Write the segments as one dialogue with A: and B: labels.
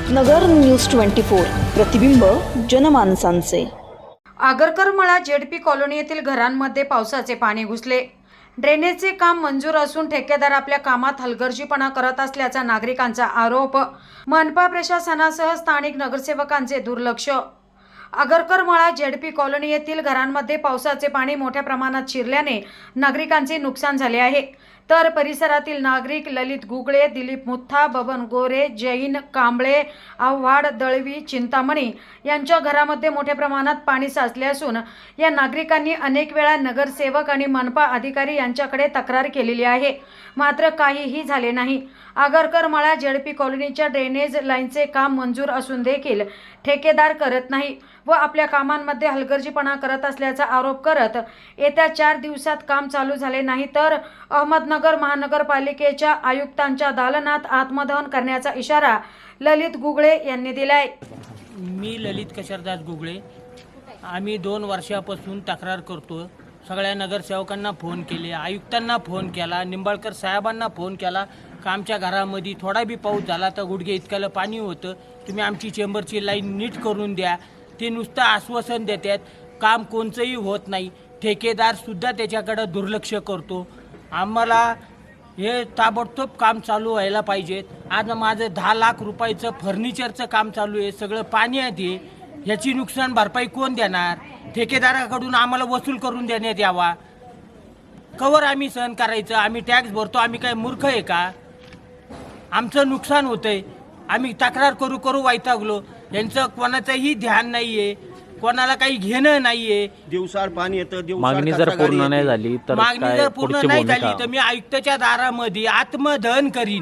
A: नगर news 24 प्रतिबिंब जनमानसांचे।
B: आगरकरमळा ZP colony येथील घरांमध्ये पावसाचे पाणी घुसले। ड्रेनेजचे काम मंजूर असून ठेकेदार आपल्या कामात हलगर्जीपणा करत असल्याचा नागरिकांचा आरोप। मनपा प्रशासनासह स्थानिक नगरसेवकांचे दुर्लक्ष। आगरकरमळा जेडपी कॉलनी येथील घरांमध्ये पावसाचे पाणी मोठ्या प्रमाणात शिरल्याने नागरिकांचे नुकसान झाले आहे। तर परिसरातील नागरिक ललित गुगळे, दिलीप मुथा, बबन गोरे, जैन कांबळे, आव्हाड, दळवी, चिंतामणी यांच्या घरामध्ये मोठ्या प्रमाणात पाणी साचले असून या नागरिकांनी अनेक वेळा नगरसेवक आणि मनपा अधिकारी यांच्याकडे तक्रार केलेली आहे, मात्र काहीही झाले नाही। आगरकरमळा जेडपी कॉलनीच्या ड्रेनेज लाईनचे काम मंजूर असून देखील ठेकेदार करत नाही व आपल्या कामांमध्ये हलगर्जीपणा करत असल्याचा आरोप करत येत्या 4 दिवसात काम चालू झाले नाही तर अहमदनगर महानगरपालिकेच्या आयुक्तांच्या दालनात आत्मदहन करण्याचा इशारा ललित गुगळे यांनी दिलाय।
C: मी ललित कशरदास गुगळे। आम्ही 2 वर्षापासून तक्रार करतो। सगळ्या नगरसेवकांना फोन केले, आयुक्तांना फोन केला, निंबाळकर साहेबांना फोन केला का आमच्या घरामध्ये थोडा बी पाऊस झाला तर गुडघे इतक्याला पाणी होतं, तुम्ही आमची चेंबरची लाईन नीट करून द्या। ते नुसतं आश्वासन देतात, काम कोणचंही होत नाही। ठेकेदारसुद्धा त्याच्याकडे दुर्लक्ष करतो। आम्हाला हे ताबडतोब काम चालू व्हायला पाहिजेत। आज माझं 10 लाख रुपयाचं फर्निचरचं काम चालू आहे, सगळं पाण्यात आहे। ह्याची नुकसान भरपाई कोण देणार? ठेकेदाराकडून आम्हाला वसूल करून देण्यात यावा। कवर आम्ही सहन करायचं? आम्ही टॅक्स भरतो, आम्ही काय मूर्ख आहे का? आमचं नुकसान होतंय, आम्ही तक्रार करू करू वैतागलो। यांचं कोणाचंही ध्यान नाहीये, कोणाला काही घेणं नाहीये।
D: दिवसाआड पाणी येतं,
E: मागणी जर पूर्ण नाही झाली तर
C: मागणी जर पूर्ण नाही झाली तर मी आयुक्ताच्या दारामध्ये आत्मदहन करीन।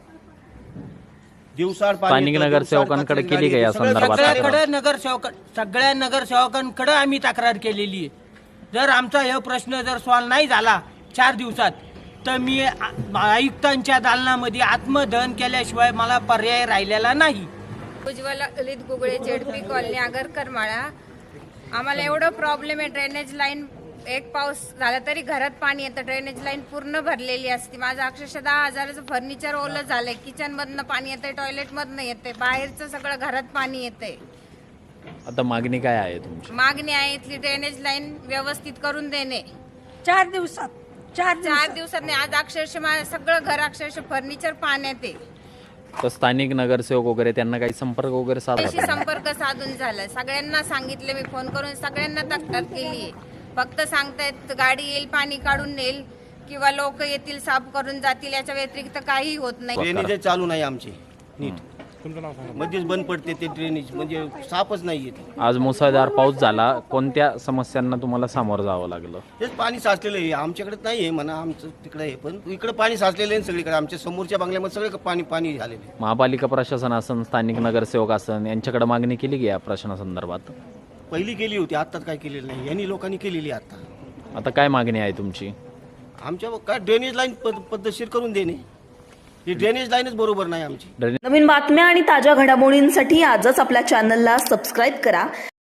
D: दिवसाआड
E: स्थानिक नगरसेवकांकडे केली का या संदर्भात?
C: सगळ्या नगरसेवकांकडे आम्ही तक्रार केलेली आहे। जर आमचा हे प्रश्न जर सॉल्व्ह नाही झाला 4 दिवसात तर मी आयुक्तांच्या दालनामध्ये आत्मदहन केल्याशिवाय मला पर्याय राहिलेला नाही।
F: Ujjwal Lalit Gugale, ZP colony, Agarkarmala. आम्हाला एवढं प्रॉब्लेम आहे, ड्रेनेज लाईन एक पाऊस झाला तरी घरात पाणी येतं, ड्रेनेज लाईन पूर्ण भरलेली असते। माझं अक्षरशः 10,000चं फर्निचर ओलं झालंय, किचनमधनं पाणी येतंय, टॉयलेटमधनं येतंय, बाहेरचं सगळं घरात पाणी येतंय।
E: आता मागणी काय आहे तुमची?
F: मागणी आहे इथली ड्रेनेज लाईन व्यवस्थित करून देणे।
G: 4 दिवसात
F: 4 दिवसात नाही, आज अक्षरशः माझं सगळं घर अक्षरशः फर्निचर पाण्यात आहे।
E: तर स्थानिक नगरसेवक वगैरे त्यांना काही संपर्क वगैरे साधला?
F: संपर्क साधून झालाय, सगळ्यांना सांगितलं मी फोन करून, सगळ्यांना तक्रार केली। फक्त सांगतायत गाडी येईल, पाणी काढून नेईल किंवा लोक येतील, साफ करून जातील, याच्या व्यतिरिक्त काही होत नाही।
D: ड्रेनेज चालू नाही आमचे नीट, मध्येच बंद पडते ते ड्रेनेज, म्हणजे साफच नाही येत।
E: आज मुसळधार पाऊस झाला, कोणत्या समस्यांना तुम्हाला सामोरं जावं लागलं?
D: तेच पाणी साचलेलं आहे, आमच्याकडे नाही आहे म्हणा, आमचं तिकडे आहे, पण इकडे पाणी साचलेलं आहे सगळीकडे। आमच्या समोरच्या बंगल्यामध्ये सगळे पाणी झालेलं आहे।
E: महापालिका प्रशासन असन, स्थानिक नगरसेवक असन, यांच्याकडे मागणी केली की या प्रश्नासंदर्भात?
D: पहिली केली होती, आता काय केलेलं नाही, यांनी लोकांनी केलेली आता।
E: आता काय मागणी आहे तुमची?
D: आमच्या काय ड्रेनेज लाईन पद्धतशीर करून देणे, ही ड्रेनेज लाईनच बरोबर नाही आमची।
A: नवीन बातम्या आणि ताज्या घडामोडींसाठी आजच आपल्या चॅनलला सबस्क्राईब करा